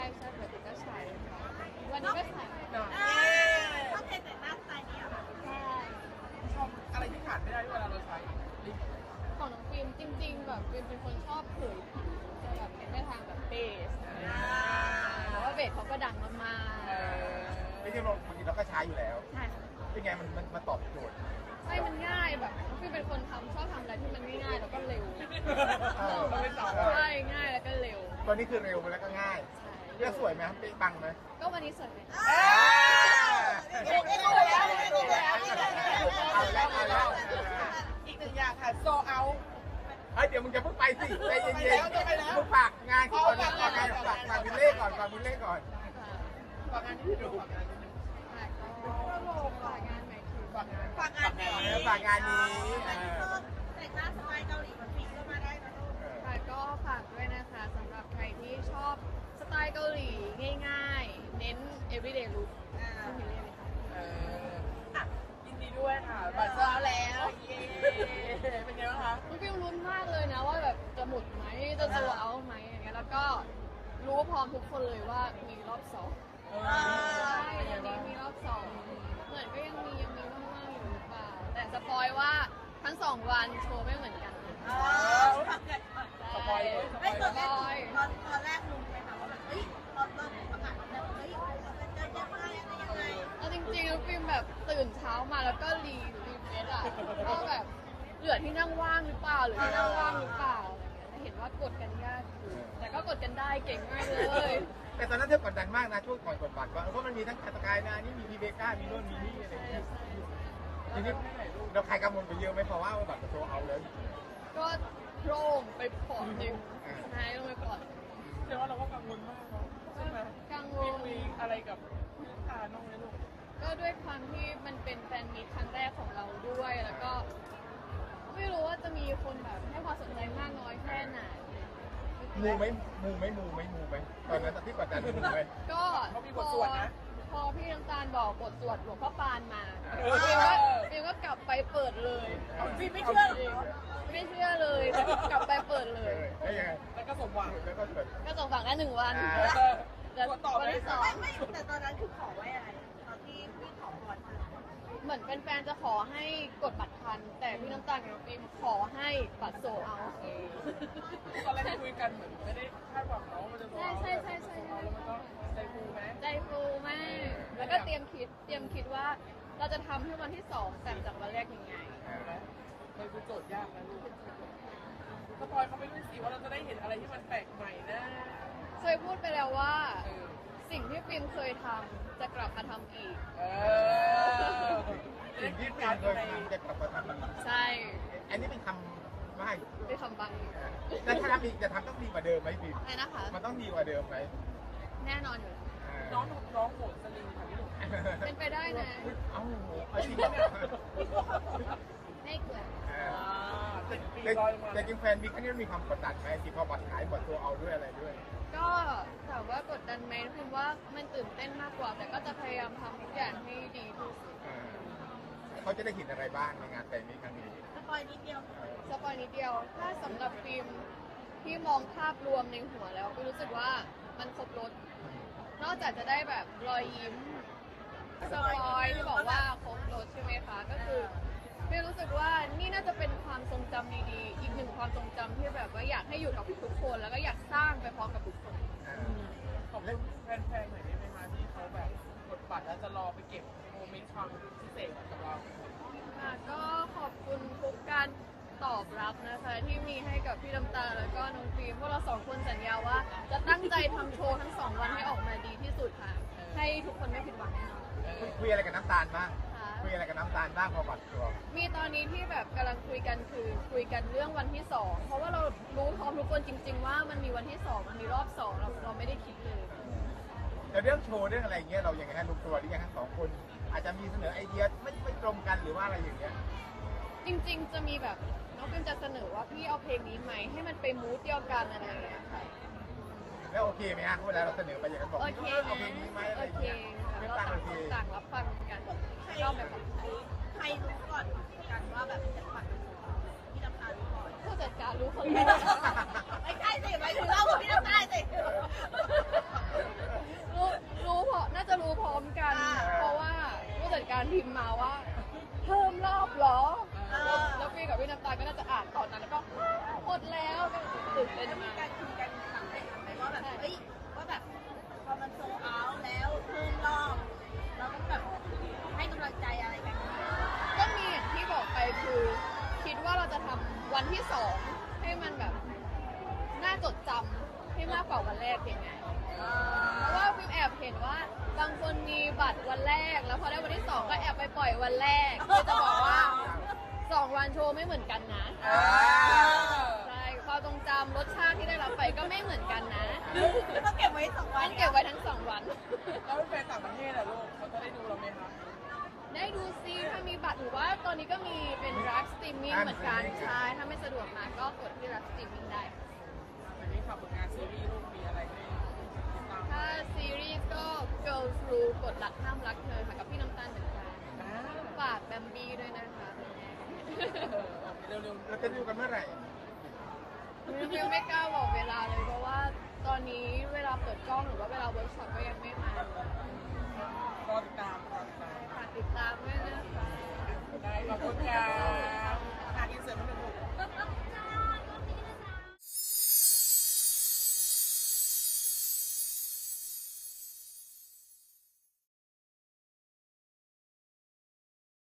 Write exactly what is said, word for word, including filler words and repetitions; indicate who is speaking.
Speaker 1: ใช่ปกติก็ใช้วันนี้ก็ใช้
Speaker 2: ต้องเพลงแต่งหน้าสไตล์นี้เหรอ
Speaker 1: ใช่
Speaker 3: ชอบอะไรที่ขาดไม่ได้เวลาเราใช้ลิป
Speaker 1: ของน้องฟิล์มจริงๆแบบฟิล์มเป็นคนชอบเผยผิวจะแบบเน้นไปทางแบบเบสเพราะว่าเบสเขาก็ดังมากๆ
Speaker 4: ไม่ใช่เราบางทีเราก็ใช้อยู่แล้ว
Speaker 1: ใช่ค่ะ
Speaker 4: เป็นไงมันมันมาตอบโจทย์
Speaker 1: ใช่มันง่ายแบบฟิล์มเป็นคนทำชอบทำอะไรที่มันง่ายๆแล้วก็เร็ว
Speaker 4: เออ
Speaker 3: เราเป็นสาว
Speaker 1: ใช่ง่ายแล้วก็เร็ว
Speaker 4: ตัวนี้คือเร็วแล้วก็ง่าย
Speaker 1: ใช่
Speaker 4: เลือกสวยไหมครับปิ๊งปังไหม
Speaker 1: ก็วันนี้สวยไหม
Speaker 2: นี่นี่ดูแล้วนี่ดูแล้วนี่ดูแล้ว
Speaker 4: เอาแล้วเอาแล้ว
Speaker 3: อีกหนึ่งอย่างค่ะโซเอา
Speaker 4: เฮ้ยเดี๋ยวมึงจะเพิ่งไปสิใจเย็น
Speaker 3: ไปแล้วจะไปแล้ว
Speaker 4: ๆมึงฝากงานก่อนนะฝากงานฝากฝากบุญเล่ก่อนฝากบุญเล่ก่อน
Speaker 3: ฝากงานที่ดูฝากงานที่ดู
Speaker 1: ค่ะก็ฝากงานใหม่คือ
Speaker 3: ฝากงาน
Speaker 2: ฝากงานนี้
Speaker 4: เออฝากงานนี้
Speaker 2: ใครที่ชอบแต่งหน้าสไตล์เกาหลีเหมือนฟิล์มก็มาได้นะลูก
Speaker 1: ค่ะก็ฝากด้วยนะคะสำหรับใครที่ชอบสไตล์เกาหลีง่ายๆ เน้น everyday look ต้องมีเล่นเลยค่ะ
Speaker 3: เอออ่ะยินดีด้วยค่ะบัตรซื้อแล้วเย้เป็นไงบ้างคะ
Speaker 1: น้องฟิลลุ้นมากเลยนะว่าแบบจะหมุดไหมจะโซลเอาท์ไหมอย่างเงี้ยแล้วก็รู้พร้อมทุกคนเลยว่ามีรอบสอง
Speaker 3: เออ
Speaker 1: ใช่วันนี้มีรอบสองเหมือนก็ยังมียังมีว่างๆอยู่หรือเปล่าแต่สปอยว่าทั้งสองวันโชว์ไม่เหมือนกัน
Speaker 2: อ๋อ
Speaker 3: สปอยเลยสป
Speaker 2: ไม่
Speaker 3: อย
Speaker 2: ตอน
Speaker 3: เล
Speaker 2: แร
Speaker 3: ย
Speaker 2: กตอนตอนแรกลุงไปถามว่าแบบเฮ้ยตอนตอนประกาศแล้วเฮ้ยมันจะยังไงอะไรยังไง
Speaker 1: เอาจริงๆฟิล์มแบบตื่นเช้ามาแล้วก็รีรีเฟซอะว่าแบบเหลือที่นั่งว่างหรือเปล่าหรือที่นั่งว่างหรือเปล่าอะไรเงี้ยแต่เห็นว่ากดกันยากอยู่แต่ก็กดกันได้เก่งมากเลย
Speaker 4: แต่ตอนนั้นเธอกดดันมากนะช่วงก่อนกดบัตรว่าเพราะมันมีทั้งคาตากายนะนี่มีพีเบก้ามีโน่นมีนี่อะไรอย่างเงี้ยทีนี้เราใครกังวลไปเยอะไหมเพราะว่าบัตรจะโชว์เอาแล้ว
Speaker 1: ก็โครงไปปอดหนึ่งหายลงไปปอด
Speaker 3: เชื่อว่าเราก็กังวลมากเนาะใช่ไหม
Speaker 1: กังว
Speaker 3: มี
Speaker 1: ล
Speaker 3: คุยอะไรกับลูกค้าน้องไหมลูก
Speaker 1: ก็ด้วยความที่มันเป็นแฟนมีตครั้งแรกของเราด้วยแล้วก็ ไม่รู้ว่าจะมีคนแบบให้ความสนใจมากน้อยแค่ไหน
Speaker 4: มูไหมมูไหมมูไหมมูไหมตอนนั้นที่กดดันมูไหม
Speaker 1: ก็พอพอพี่น้ำตาลบอกบทสวดหลวงพ่อปานมาฟิวก็ฟิวก็กลับไปเปิดเลย
Speaker 2: ฟิล์มไม่เชื่อหรอ
Speaker 1: ไม่เชื่อเลยแต่กลับไปเปิดเลย
Speaker 4: แล้วยังไง
Speaker 3: แล้วก็สมหวัง
Speaker 4: แล้วก็เกิด
Speaker 1: ก็ส่งฝังได้หนึ่งวัน
Speaker 4: อ่า
Speaker 1: แต่
Speaker 3: กดต่อไหม
Speaker 1: วันที่สอง
Speaker 2: ไม่ไม่แต่ตอนนั้นคือขอไว้อะไรตอนที่พี่ขอพรมา
Speaker 1: เหมือนแฟนๆจะขอให้กดบัตรทัน แต่พี่น้ำตาลกับน้องฟิล์มขอให้บัตรโซลเอาท์
Speaker 3: ตอนแรกคุยกันเหมือนไม่ได้คาดหวังเนาะมันจะโซ
Speaker 1: ใช่ใช่ใช่ใช่
Speaker 3: แล้วมันก็ใจฟูไหม
Speaker 1: ใจฟูมาก แล้วก็เตรียมคิด เตรียมคิดว่าเราจะทำให้วันที่สองต่างจากวันแรกยังไง
Speaker 3: มันคือโจทย์ยากนะลูกสปอยเขาไม่รู้สิว่าเราจะได้เห็นอะไรที่มันแปลกใหม่นะ
Speaker 1: เคยพูดไปแล้วว่า
Speaker 3: เออ
Speaker 1: สิ่งที่ฟิล์มเคยทำจะกลับมาทำอีก
Speaker 3: เออ
Speaker 4: สิ่งที่เป็นเคยทำจะกลับมาทำอีก
Speaker 1: ใช่
Speaker 4: อันนี้เป็นคำไม่
Speaker 1: เป็นคำบังอีก
Speaker 4: แล้วถ้าทำอีกจะทำต้องดีกว่าเดิมไหมพี่
Speaker 1: อะไรนะคะ
Speaker 4: มันต้องดีกว่าเดิมไหม
Speaker 1: แน่นอนอยู่แล้ว
Speaker 3: น้องน้องโหดสลิงค่ะพี่หนุ่ม
Speaker 1: เป็นไปได้นะ
Speaker 4: เอ้าเอาจริงเนี่ย
Speaker 1: ไม่เกิน
Speaker 3: ติดปี
Speaker 4: แต่
Speaker 3: ลอยมา
Speaker 4: แต่จริงแฟนมีแค่นี้มีความกดดันไหมที่พอบัตรขายบัตรตัวเอาด้วยอะไรด้วย
Speaker 1: ก็ถามว่ากดดันไหมฟิล์มว่ามันตื่นเต้นมากกว่า แต่ก็จะพยายามทำทุกอย่างให้ดีที่สุด
Speaker 4: เขาจะได้เห็นอะไรบ้างในงานแต่งนี้ครั้งนี้
Speaker 2: สปอยนิดเดียว
Speaker 1: สปอยนิดเดียว ถ้าสำหรับฟิล์มที่มองภาพรวมในหัวแล้วก็รู้สึกว่ามันครบรถ นอกจากจะได้แบบรอยยิ้มสปอยที่บอกว่าครบรถใช่ไหมคะ ก็คือฟิล์มรู้สึกว่านี่น่าจะเป็นความทรงจำดีๆ อีกหนึ่งความทรงจำที่แบบว่าอยากให้อยู่กับทุกคน แล้วก็อยากสร้างไปพร้อมกับทุกคน
Speaker 3: ขอบคุณแฟนๆหน่อยได้ไหมคะที่เขาแบบกดบัตรแล้วจะรอไปเก็บโมเมนต์ความพิเศษกับเรา
Speaker 1: ค่ะก็ขอบคุณทุกการตอบรับนะคะที่มีให้กับพี่น้ำตาลแล้วก็น้องฟิล์มพวกเราสองคนสัญญาว่า จะตั้งใจทำโชว์ทั้งสองวันให้ออกมาดีที่สุดค่ะ ให้ทุกคนไม่ผิดหวังแน่นอน
Speaker 4: คุยอะไรกับน้ำตาลบ้าง
Speaker 1: ค่ะ
Speaker 4: คุยอะไรกับน้ำตาลบ้างพอบัตรตัว
Speaker 1: มีตอนนี้ที่แบบกำลังคุยกันคือคุยกันเรื่องวันที่สองเพราะว่าเรารู้พร้อมทุกคนจริง ๆ ว่ามันมีวันที่สองมันมีรอบสองเราเราไม่ได้คิดเลย
Speaker 4: แต่เรื่องโชว์เรื่องอะไรเงี้ยเรายังไงฮะลงตัวหรือยังทั้งสองคน อาจจะมีเสนอไอเดียไม่ไม่ตรงกันหรือว่าอะไรอย่างเงี้ย
Speaker 1: จริง ๆ จะมีแบบน้องฟิล์มจะเสนอว่าพี่เอาเพลงนี้ไหมให้มันไปมูดเดียวกันอะไรอย่างเงี้ยค่ะ
Speaker 4: แล้วโอเคไหมฮะเวลาเราเสนอไปอย่างนั้นบอก
Speaker 1: โอเค
Speaker 4: เอาเพลงนี้ไหมอะไร
Speaker 1: โอ
Speaker 4: อย่าง
Speaker 1: เค
Speaker 4: เงี้ย
Speaker 1: ค่ะ
Speaker 4: ไม่
Speaker 1: เรา
Speaker 4: ต่าง
Speaker 1: ต่าง
Speaker 4: โอเค
Speaker 1: ต่างรับฟังกันชอบแบบของใคร
Speaker 2: ใครรู้ก่อนกันว่าแบบจะปัดพี่น้ำตาลรู้ก่อน
Speaker 1: ผู้จัดการรู้คนแรก
Speaker 2: ไม่ใช่สิหมายถึงเรากับพี่น้ำตาลสิ
Speaker 1: พิมพ์มาว่า เพิ่มรอบเหรอ
Speaker 2: เออ
Speaker 1: แล้วพี่กับพี่น้ำตาลก็น่าจะอ่านตอนนั้นแล้วก็หมดแล้วก็ตื่นเต้น
Speaker 2: แล้วมี
Speaker 1: มาก
Speaker 2: การคุยกันหลังจากนั้นไหมว่าแบบเอ้ยว่าแบบพอมันโซลเอาท์แล้วเพิ่มรอบเราต้องแบบให้กำลังใจอะไรกันไหม
Speaker 1: ก็มีอย่างที่บอกไปคือคิดว่าเราจะทำวันที่สองให้มันแบบน่าจดจำให้มากกว่าวันแรกยังไง เพราะว่าฟิล์มแอบเห็นว่าบางคนมีบัตรวันแรก แล้วพอได้วันที่สองก็แอบไปปล่อยวันแรกคือจะบอกว่าสองวันโชว์ไม่เหมือนกันนะใช่ความทรงจำรสชาติที่ได้รับไปก็ไม่เหมือนกันนะ
Speaker 2: ต้องเก็บไว้สองวัน
Speaker 1: ต้องเก็บไว้ทั้งสองวัน
Speaker 3: แล้วแฟนต่างประเทศอะลูกเขาจะได้ดูเราไหมคะ
Speaker 1: ได้ดูซิถ้ามีบัตรหรือว่าตอนนี้ก็มีเป็นรักสตรีมมิ่งเหมือนกันใช่ถ้าไม่สะดวกมาก็กดที่รักสตรีมมิ่งได้
Speaker 3: อันนี้ขับผลงานซีรีส์ลูกมีอะไรให้ติดตาม
Speaker 1: ถ้าซีรีส์ก็ Girls Rule กดหลักห้ามรักเธอค่ะกับพี่น้ำตาลเหมือนกัน
Speaker 3: อ่า
Speaker 1: ฝากแบมบี้ด้วยนะคะ
Speaker 3: เออเร็วๆ
Speaker 4: เราจะดูกันเมื่อไหร่
Speaker 1: ยังไม่กล้าบอกเวลาเลยเพราะว่าตอนนี้เวลาเปิดกล้องหรือว่าเวลาเวิร์กช็อปก็ยังไม่มาร
Speaker 3: อติดตามรอติดตาม
Speaker 1: ฝากติดตามด้วยนะคะ
Speaker 3: ได้ขอบคุณค่ะ